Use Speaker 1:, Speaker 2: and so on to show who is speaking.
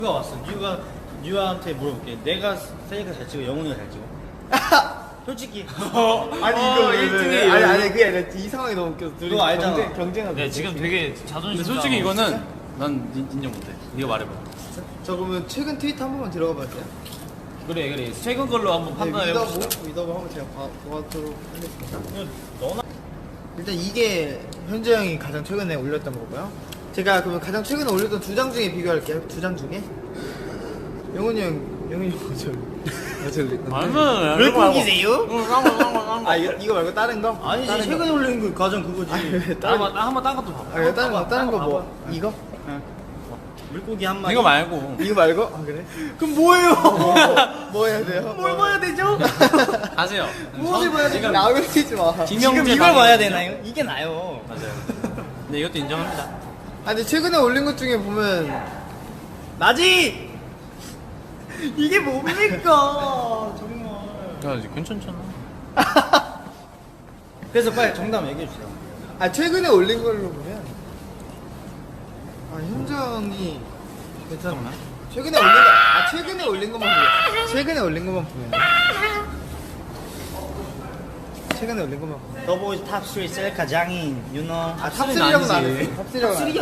Speaker 1: 뉴가 왔어. 뉴한테 물어볼게. 내가 셀카 잘 찍어, 영훈이가 잘 찍어? 솔직히.
Speaker 2: 아니 이거
Speaker 1: 1등이
Speaker 2: 아니 그게 아니라 이 상황이 너무 웃겨서 둘이
Speaker 1: 그거 알잖아.
Speaker 2: 경쟁하고
Speaker 3: 네, 지금 되게 자존심.
Speaker 4: 근데 솔직히 이거는 난 인정 못해. 네가 말해봐.
Speaker 2: 저 그러면 최근 트위터 한 번만 들어가 봐도 돼요?
Speaker 3: 그래. 최근 걸로 한번 판단해 봅시다.
Speaker 2: 믿어보 한번 제가 보도록 하겠습니다.
Speaker 1: 너나
Speaker 2: 일단 이게 현재 형이 가장 최근에 올렸던 거고요. 제가 그러면 가장 최근에 올렸던 두 장 중에 비교할게요. 두 장 중에 영훈이 형 어쩔
Speaker 3: 아니면
Speaker 1: 물고기세요?
Speaker 2: 아 이거 말고 다른 거?
Speaker 1: 아니지,
Speaker 2: 다른
Speaker 1: 최근에 올린 거 가장 그거지.
Speaker 3: 한번 딴 것도 봐봐.
Speaker 2: 아 다른 거 뭐? 이거?
Speaker 1: 물고기 한 마리.
Speaker 4: 이거 말고.
Speaker 2: 이거 말고? 아 그래? 그럼 뭐예요? 뭐 해야 돼요?
Speaker 1: 뭘 봐야 되죠?
Speaker 4: 가세요.
Speaker 2: 무엇을 봐야 돼? 나를 치지 마.
Speaker 1: 지금 이걸 봐야 되나요? 이게 나요.
Speaker 4: 맞아요. 근데 이것도 인정합니다.
Speaker 2: 아 근데 최근에 올린 것 중에 보면
Speaker 1: 나지! 이게 뭡니까? 정말.
Speaker 4: 야, 이제 괜찮잖아.
Speaker 1: 그래서 빨리 정답 얘기해주세요.
Speaker 2: 아 최근에 올린 걸로 보면 아 현정이 괜찮나? 최근에 올린 것만 보면 최근에 올린 것만 보면
Speaker 1: 더보이즈 탑3 셀카 장인, 유너.
Speaker 2: 아 탑3라고는 안 했어. 탑3라고는 안 했어.